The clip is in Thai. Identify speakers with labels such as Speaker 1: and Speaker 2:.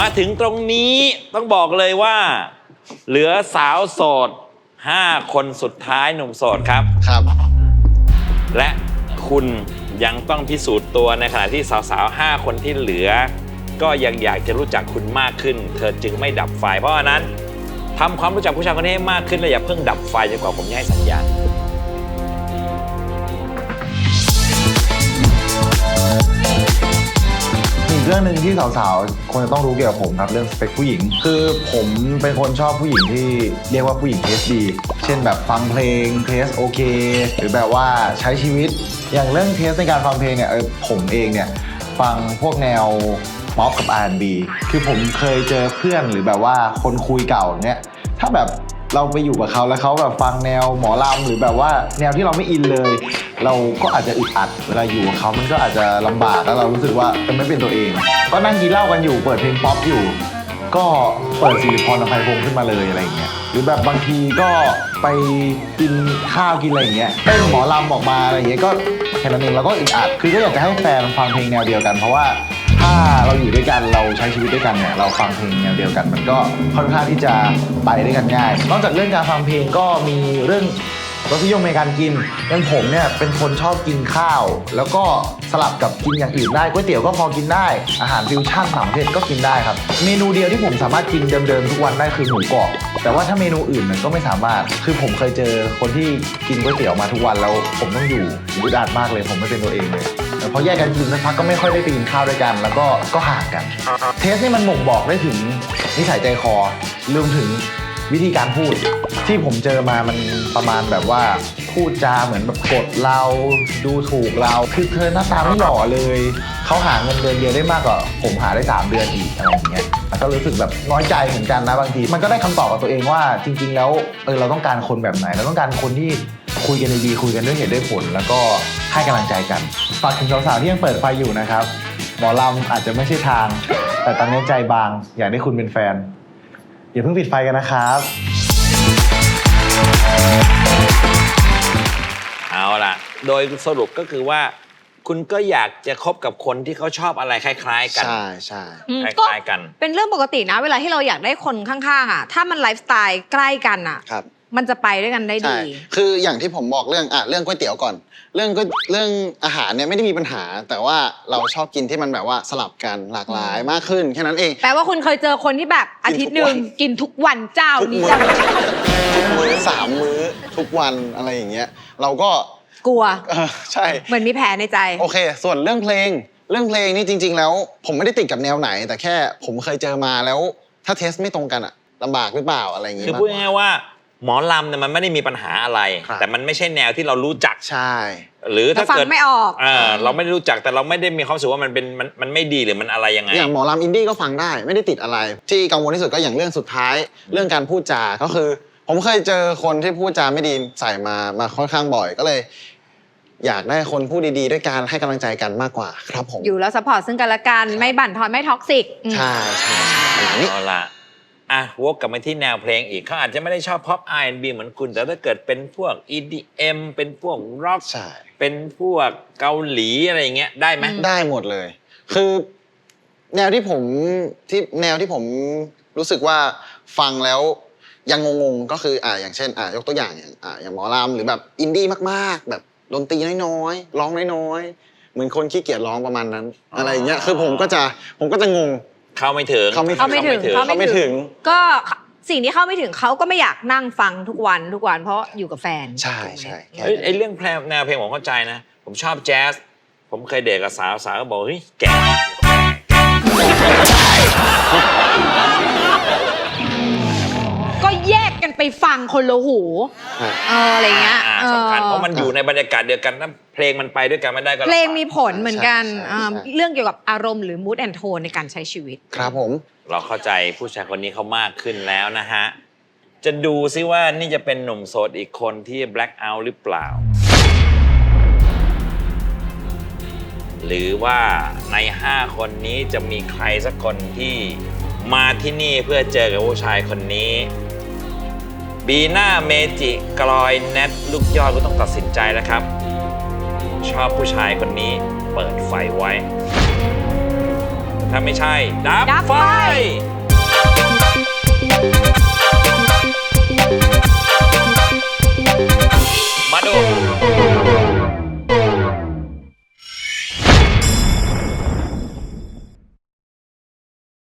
Speaker 1: มาถึงตรงนี้ต้องบอกเลยว่าเหลือสาวโสด5 คนสุดท้ายหนุ่มโสดครับ
Speaker 2: ครับ
Speaker 1: และคุณยังต้องพิสูจน์ตัวในขณะที่สาวๆ5 คนที่เหลือก็ยังอยากจะรู้จักคุณมากขึ้นเธอจึงไม่ดับไฟเพราะฉะนั้นทำความรู้จักผู้ชายคนนี้ให้มากขึ้นและอย่าเพิ่งดับไฟจนกว่าผมจะให้สัญญาณ
Speaker 3: อีกเรื่องหนึ่งที่สาวๆควรจะต้องรู้เกี่ยวกับผมครับเรื่องสเปคผู้หญิงคือผมเป็นคนชอบผู้หญิงที่เรียกว่าผู้หญิงเทสดีเช่นแบบฟังเพลงเทสโอเคหรือแบบว่าใช้ชีวิตอย่างเรื่องเทสในการฟังเพลงเนี่ยผมเองเนี่ยฟังพวกแนวป๊อปกับ R&B คือผมเคยเจอเพื่อนหรือแบบว่าคนคุยเก่าเนี่ยถ้าแบบเราไปอยู่กับเขาแล้วเขาแบบฟังแนวหมอลำหรือแบบว่าแนวที่เราไม่อินเลยเราก็อาจจะอึดอัดเวลาอยู่กับเขามันก็อาจจะลำบากแล้วเรารู้สึกว่าไม่เป็นตัวเองก็นั่งกินเหล้ากันอยู่เปิดเพลงป๊อปอยู่ก็เปิดสิริพร อภัยพงษ์ขึ้นมาเลยอะไรอย่างเงี้ยหรือแบบบางทีก็ไปกินข้าวกินอะไรอย่างเงี้ยเต้นหมอลำออกมาอะไรอย่างเงี้ยก็แค่นั้นเองเราก็อึดอัดคือก็อยากจะให้แฟนฟังเพลงแนวเดียวกันเพราะว่าถ้าเราอยู่ด้วยกันเราใช้ชีวิตด้วยกันเนี่ยเราฟังเพลงแนวเดียวกันมันก็ค่อนข้างที่จะไปด้วยกันง่ายนอกจากเรื่องการฟังเพลงก็มีเรื่องรสนิยมในการกินอย่างผมเนี่ยเป็นคนชอบกินข้าวแล้วก็สลับกับกินอย่างอื่นได้ก๋วยเตี๋ยวก็พอกินได้อาหารฟิวชั่นต่างประเทศก็กินได้ครับเมนูเดียวที่ผมสามารถกินเดิมๆทุกวันได้คือหมูกรอบแต่ว่าถ้าเมนูอื่นมันก็ไม่สามารถคือผมเคยเจอคนที่กินก๋วยเตี๋ยวมาทุกวันแล้วผมต้องอยู่อึดอัดมากเลยผมไม่เป็นตัวเองเลยพอแยกกันกินสักพักก็ไม่ค่อยได้ไปกินข้าวด้วยกันแล้วก็ห่างกันเทสนี่มันบ่งบอกได้ถึงนิสัยใจคอรวมถึงวิธีการพูดที่ผมเจอมามันประมาณแบบว่าพูดจาเหมือนแบบกดเราดูถูกเราคือเธอหน้าตาไม่หล่อเลยเขาหาเงินเดือนเดียวได้มากกว่าผมหาได้3 เดือนอีกอะไรอย่างเงี้ยแล้วก็รู้สึกแบบน้อยใจเหมือนกันนะบางทีมันก็ได้คำตอบกับตัวเองว่าจริงๆแล้วเราต้องการคนแบบไหนเราต้องการคนที่คุยกันดีๆคุยกันด้วยเหตุด้วยผลแล้วก็ให้กำลังใจกันฝากถึงสาวๆที่ยังเปิดไฟอยู่นะครับหมอลำอาจจะไม่ใช่ทางแต่ตอนนี้ใจบางอยากได้คุณเป็นแฟนอย่าเพิ่งปิดไฟกันนะครับ
Speaker 1: เอาล่ะโดยสรุปก็คือว่าคุณก็อยากจะคบกับคนที่เขาชอบอะไรคล้ายๆกัน
Speaker 2: ใช่ใช่
Speaker 1: คล้ายๆกัน
Speaker 4: เป็นเรื่องปกตินะเวลาที่เราอยากได้คนข้างๆอ่ะถ้ามันไลฟ์สไตล์ใกล้กันอ่ะมันจะไปด้วยกันได้ดี
Speaker 2: คืออย่างที่ผมบอกเรื่องก๋วยเตี๋ยวก่อนเรื่องอาหารเนี่ยไม่ได้มีปัญหาแต่ว่าเราชอบกินที่มันแบบว่าสลับกันหลากหลายมากขึ้นแค่นั้นเอง
Speaker 4: แปลว่าคุณเคยเจอคนที่แบบอาทิตย์นึงกินทุกวันเจ้านี้
Speaker 2: ทุกมื้อ3 มื้อทุกวันอะไรอย่างเงี้ยเราก็
Speaker 4: กลัว
Speaker 2: ใช่
Speaker 4: เหมือนมีแผลในใจ
Speaker 2: โอเคส่วนเรื่องเพลงนี่จริงๆแล้วผมไม่ได้ติดกับแนวไหนแต่แค่ผมเคยเจอมาแล้วถ้าเทสไม่ตรงกันอะลำบากหรือเปล่าอะไรอย่างเงี้ย
Speaker 1: คือพูดง่ายๆว่าหมอลำเนี่ยมันไม่ได้มีปัญหาอะไรแต่มันไม่ใช่แนวที่เรารู้จัก
Speaker 2: ใช่
Speaker 1: หรือถ้าเกิด
Speaker 4: ไม่ออก
Speaker 1: เราไม่ได้รู้จักแต่เราไม่ได้มีความรู้สึกว่ามันไม่ดีหรือมันอะไรยังไง
Speaker 2: อย่างหมอลำอินดี้ก็ฟังได้ไม่ได้ติดอะไรที่กังวลที่สุดก็อย่างเรื่องสุดท้ายเรื่องการพูดจาก็คือผมเคยเจอคนที่พูดจาไม่ดีใส่มาค่อนข้างบ่อยก็เลยอยากได้คนพูดดีๆด้วยการให้กำลังใจกันมากกว่าครับผม
Speaker 4: อยู่แล้วซัพพอร์ตซึ่งกันและกันไม่บั่นทอนไม่ท็อกซิก
Speaker 2: ใช่
Speaker 1: เอาล่ะวกกลับมาที่แนวเพลงอีกเขาอาจจะไม่ได้ชอบ pop R&B เหมือนคุณแต่ถ้าเกิดเป็นพวก EDM เป็นพวก rock เป็นพวกเกาหลีอะไรอย่างเงี้ยได้ไหม
Speaker 2: ได้หมดเลยคือแนวที่ผมรู้สึกว่าฟังแล้วยังงงๆก็คืออย่างเช่นยกตัวอย่างอย่างหมอลำหรือแบบอินดี้มากๆแบบดนตรีน้อยๆร้องน้อยๆเหมือนคนขี้เกียจร้องประมาณนั้นอะไรอย่างเงี้ยคือผมก็จะงง
Speaker 1: เข้าไม่ถึง
Speaker 4: ก็สิ่งที่เข้าไม่ถึงเขาก็ไม่อยากนั่งฟังทุกวันเพราะอยู่กับแฟน
Speaker 2: ใช่
Speaker 1: ไอ้เรื่องแนวเพลงผมเข้าใจนะผมชอบแจ๊สผมเคยเดทกับสาวก็บอกเฮ้ยแก
Speaker 4: ก็แยกกันไปฟังคนละหูอะไรเงี้ย
Speaker 1: สำคัญเพราะมันอยู่ในบรรยากาศเดียวกันถ้าเพลงมันไปด้วยกันไม่ได้ก็
Speaker 4: เพลงมีผลเหมือนกันเรื่องเกี่ยวกับอารมณ์หรือ mood and tone ในการใช้ชีวิต
Speaker 2: ครับผม
Speaker 1: เราเข้าใจผู้ชายคนนี้เขามากขึ้นแล้วนะฮะจะดูซิว่านี่จะเป็นหนุ่มโสดอีกคนที่ black out หรือเปล่าหรือว่าใน5 คนนี้จะมีใครสักคนที่มาที่นี่เพื่อเจอกับผู้ชายคนนี้บีน่าเมจิกลอยแนทลูกยอดก็ต้องตัดสินใจแล้วครับชอบผู้ชายคนนี้เปิดไฟไว้ถ้าถ้าไม่ใช่ ดับ
Speaker 4: ดับ
Speaker 1: ไฟ
Speaker 4: ไฟ